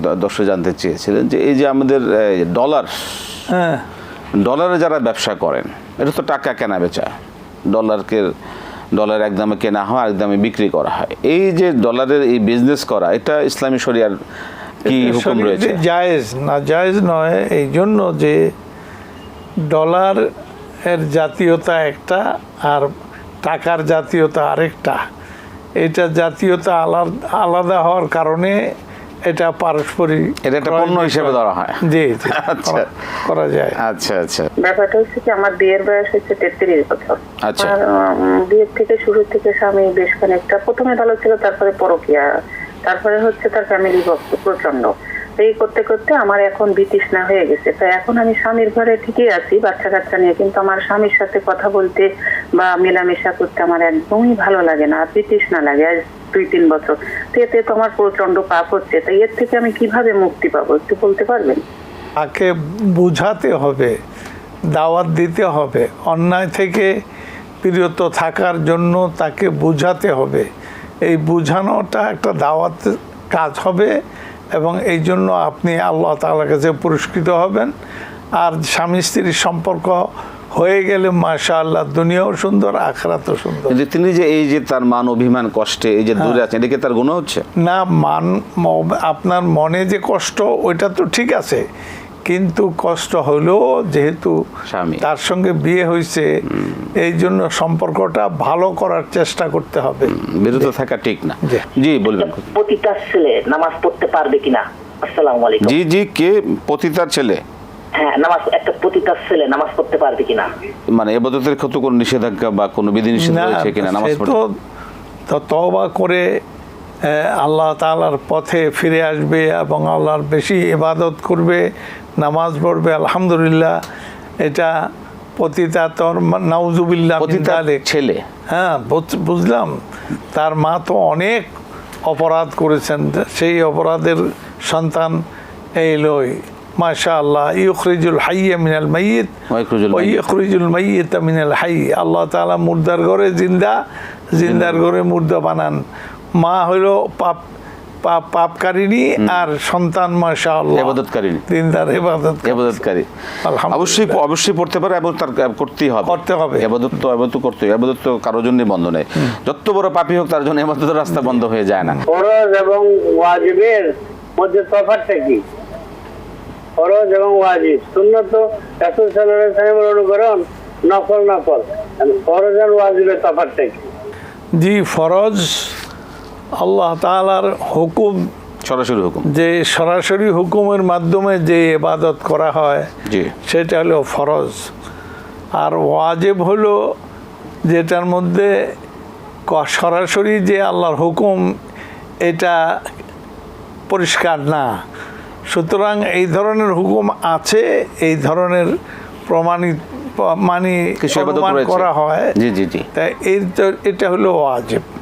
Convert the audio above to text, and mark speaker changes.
Speaker 1: দর্শক জানতে চেয়েছিলেন যে এই যে আমাদের ডলার, ডলারে যারা ব্যবসা করেন, এটা তো টাকা কেনা বেচা, ডলার এক দামে কেনা হয় এক দামে বিক্রি করা হয়। এই যে ডলারের এই বিজনেস করা, এটা ইসলামী শরিয়ার কি হুকুম রয়েছে?
Speaker 2: জায়েজ না, জায়েজ নয়। এই জন্য যে ডলার এর জাতীয়তা একটা আর টাকার জাতীয়তা আরেকটা। এটা জাতীয়তা আলাদা হওয়ার কারণে এটা পারস্পরিক,
Speaker 1: এটা একটা পণ্য হিসেবে ধরা হয়।
Speaker 2: জি,
Speaker 1: আচ্ছা,
Speaker 2: করা যায়।
Speaker 1: আচ্ছা আচ্ছা।
Speaker 3: ব্যাপারটা হচ্ছে কি, আমার বিয়ের বয়স হচ্ছে 33 বছর।
Speaker 1: আচ্ছা।
Speaker 3: বিয়ের থেকে শুরু থেকে স্বামী বেশ খানিকটা, প্রথমে ভালো ছিল, তারপরে পরকীয়া, তারপরে হচ্ছে তার ফ্যামিলি ভক্ত প্রচন্ড। এই করতে করতে আমার এখন বিতৃষ্ণা হয়ে গেছে। তাই এখন আমি স্বামীর ঘরে ঠিকই আছি বাচ্চা কাচ্চা নিয়ে, কিন্তু আমার স্বামীর সাথে কথা বলতে বা মেলামেশা করতে আমার একদমই ভালো লাগে না, বিতৃষ্ণা লাগে। আজ 2-3 বছর তো এতে তো আমার প্রচন্ড পাপ হচ্ছে। তাই এর থেকে আমি কিভাবে মুক্তি পাবো একটু বলতে পারবেন?
Speaker 2: তাকে বুঝাতে হবে, দাওয়াত দিতে হবে, অন্যায় থেকে বিরত থাকার জন্য তাকে বুঝাতে হবে। এই বুঝানোটা একটা দাওয়াত কাজ হবে এবং এই জন্য আপনি আল্লাহ তাআলার কাছে পুরস্কৃত হবেন। আর স্বামী স্ত্রীর সম্পর্ক হয়ে গেলে মাশাআল্লাহ দুনিয়াও সুন্দর, আখিরাতও সুন্দর।
Speaker 1: তিনি যে এই যে তার মান অভিমান কষ্টে এই যে দূরে আছেন, এটা কি তার গুনাহ হচ্ছে?
Speaker 2: না, আপনার মনে যে কষ্ট ওইটা তো ঠিক আছে, কিন্তু কষ্ট হলেও যেহেতু তার সঙ্গে বিয়ে হয়েছে এই জন্য সম্পর্কটা ভালো করার চেষ্টা করতে হবে,
Speaker 1: বিরত থাকা ঠিক না। জি বলবেন।
Speaker 4: পতিতার ছেলে নামাজ পড়তে পারবে কিনা? আসসালামু আলাইকুম।
Speaker 1: জি জি, কে পতিতার ছেলে?
Speaker 4: হ্যাঁ, একটা পতিতার ছেলে নামাজ পড়তে পারবে কিনা?
Speaker 1: মানে ইবাদতের ক্ষেত্রে কোনো নিষেধাজ্ঞা বা কোনো বিধিনিষেধ রয়েছে কিনা নামাজ পড়তে?
Speaker 2: তো তওবা করে আল্লাহ তাআলার পথে ফিরে আসবে এবং আল্লাহর বেশি ইবাদত করবে, নামাজ পড়বে। আলহামদুলিল্লাহ, এটা পতিতা তোর নাউজুবিল্লাহ
Speaker 1: পতিতার ছেলে।
Speaker 2: হ্যাঁ, বুঝলাম। তার মা তো অনেক অপরাধ করেছেন, সেই অপরাধের সন্তান এই লই। মাশাআল্লাহ, ইউখরিজুল হাইয়্যা মিনাল মাইয়িত ওয়া ইউখরিজুল মাইয়িতা মিনাল হাইয়্য। আল্লাহ তাআলা মুর্দার ঘরে জিন্দা, জিন্দার ঘরে মুর্দা বানান। মা হলো পাপকারিনী আর সন্তান মাশাআল্লাহ ইবাদতকারিনী, দিনদার ইবাদতকারী।
Speaker 1: অবশ্যই পড়তে পারে এবং তার করতে হবে। ইবাদত করতে হবে। ইবাদত তো কারোর জন্য বন্ধ নেই, যত বড় পাপী হোক তার জন্য ইবাদতের রাস্তা বন্ধ হয়ে যায় না।
Speaker 5: ফরজ এবং ওয়াজিবের মধ্যে তফাৎটা কি? ফরজ এবং ওয়াজিব, সুন্নাত রাসূল সাল্লাল্লাহু আলাইহি ওয়াসাল্লামের অনুকরণ, নফল। ফরজ আর ওয়াজিবের তফাৎটা কি?
Speaker 2: জি, ফরজ আল্লাহ তাআলার হুকুম,
Speaker 1: সরাসরি হুকুম,
Speaker 2: যে সরাসরি হুকুমের মাধ্যমে যে ইবাদত করা হয় সেটা হলো ফরজ। আর ওয়াজিব হলো যেটার মধ্যে সরাসরি যে আল্লাহর হুকুম এটা পরিষ্কার না। সুতরাং এই ধরনের হুকুম আছে, এই ধরনের প্রমাণ করা হয়, তাই এটা হলো ওয়াজিব।